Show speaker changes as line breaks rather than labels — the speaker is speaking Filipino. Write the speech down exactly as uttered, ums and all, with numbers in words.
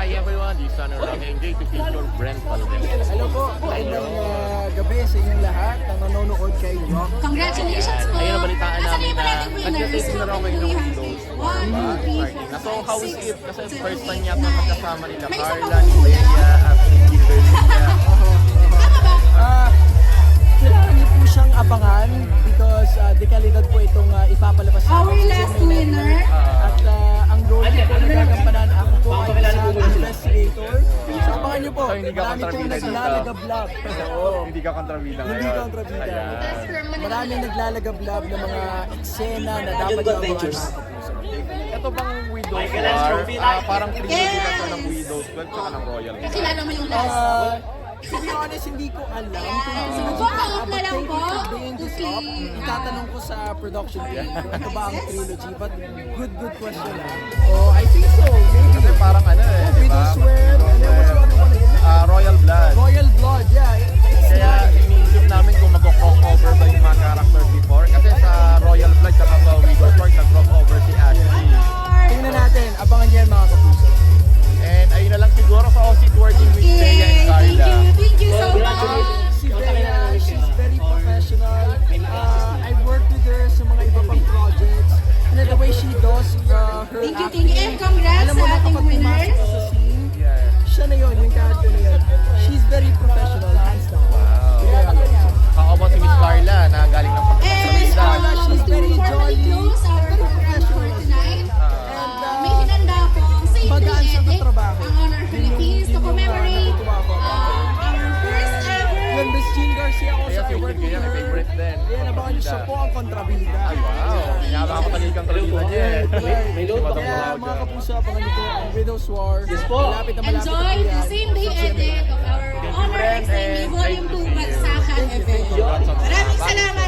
Hi everyone, this is Sana Roque. Enjoy to feature Brent Valdez.
Hello po, magandang uh, gabi sa inyong lahat na nanonood kay Rock.
Congratulations po!
Ayun, nabalitaan
Asan
namin
yung
na
nating winners?
nagka-taste na raw kayo ng
One,
Windows
two,
War,
three,
ba?
four,
Starting na. So, how is
six,
it? Kasi
seven,
first time
eight,
yata
nine.
magkasama nila
May isa pa
Carla,
po,
ni
kuya.
Bea, at si Kimberly.
Tama ba?
Ah, kailangan niyo po siyang abangan because uh, dekalidad po itong uh, ipapalabas sa
Our last winner.
At uh, ang role ko po na gagampanan, ako po ay isang investigator. So abangan niyo po,
So, hindi ka
marami pong
kontrabida dito?
naglalagablab. Oo.
Hindi ka kontrabida ngayon.
Hindi kontrabida.
Ayan.
Maraming naglalagablab ng mga eksena na dapat yung abangan mga kapuso.
Ito bang Widow's War? Ah, parang trilogy na to ng Widow's twelve tsaka ng Royal.
Kakilala mo yung last.
Uh, to be honest, hindi ko alam kung
Sige po, out na lang po.
bringing this up.
Okay.
Itatanong ko sa production team kung ito ba ang trilogy. But good, good question ah. Oh, I think so. Maybe.
Kasi parang ano eh, di ba?
Widow's Wear. And then what's the other one again?
Ah, Royal Blood.
Royal Blood, yeah.
Kaya iniisip namin kung mag-crossover ba yung mga characters before. Kasi sa Royal Blood at sa Widow's War, nag-crossover si Ashley.
Tingnan natin. Abangan niyan mga kapuso.
And ayun na lang siguro sa O S I T working with Bea and
Okay, thank
Carla.
you. Thank you so much.
Si Bea, she's very professional. Uh, I worked with her sa mga iba pang projects. And the way she does uh, her
Thank you,
acting.
thank you. And congrats
alam mo
sa
na
ating
kapag
winner.
pumasok ka sa scene,
Yeah.
siya na yun, yung character na yun. She's very professional, hands down.
Wow.
Yeah.
How about si Miss Carla na galing ng
And
pagkakalita?
Carla,
um,
she's
to
very
formally
jolly,
close our
very
program for tonight,
And,
uh,
uh,
may hinanda pong Saint
magaan sa
Louis
katrabaho.
ang Honor Philippines to
Yun yung, uh,
commemorate
natutuwa ako.
uh, our first ever.
Yun, Miss Jean Garcia also,
Kaya
I
si
worked
Jean
with
Garcia,
her.
favorite din.
Ayan, abangan niyo siya po ang kontrabida.
Ay, wow. Pinapakapatalik ang kalita niya eh.
May
Si Madam
Kaya
Claudia.
mga kapuso, abangan niyo po ang Widow's War. Yes po. Malapit na malapit
Enjoy
na po
the
yan.
same day edit of our Honor
Brent,
X ninety
and
Volume
thank
two
you.
Bagsakan event.
Congrats on-
Maraming salamat